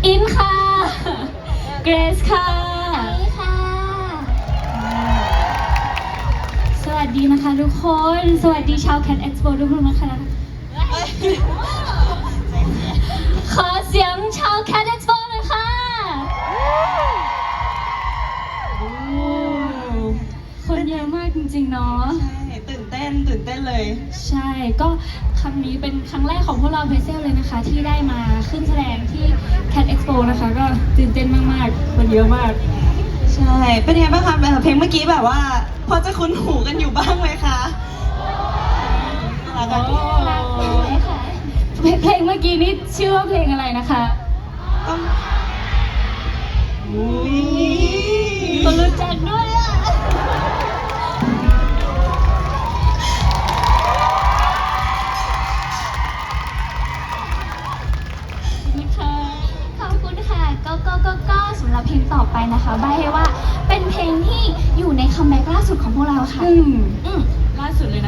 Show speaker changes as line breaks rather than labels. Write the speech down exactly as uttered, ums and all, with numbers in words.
กินค่ะ เกรซค่ะ
ค่ะ
สวัสดีนะคะทุกคน สวัสดีชาว Cat Expo ทุกคนนะคะ ขอเสียงชาว Cat Expo หน่อยค่ะ คนเยอะมากจริงๆเนาะ
ใช่ตื่นเต้นตื่นเต้นเลย
ใช่ ก็ครั้งนี้เป็นครั้งแรกของพวกเราเพเซลเลยนะคะ ที่ได้มาขึ้นแสดงที่ Cat Expo นะคะ ก็ตื่นเต้นมากๆ คนเยอะมาก
ใช่ เป็นยังไงบ้างคะเพลงเมื่อกี้แบบว่า พอจะคุ้นหูกันอยู่บ้างไหมคะน่ารักอะ
รักเลยค่ะ เพลงเมื่อกี้นี้ชื่อว่าเพลงอะไรนะคะ
ต้องอุ้ย
คนรู้จักด้วยอ่ะ
ขอบคุณค่ะ ก็ก็ก็ก็สำหรับเพลงต่อไปนะคะใบให้ว่าเป็นเพลงที่อยู่ในคัมแบ็กล่าสุดของพวกเราค่ะ
อืม
อืม
ล่าสุดเลยนะ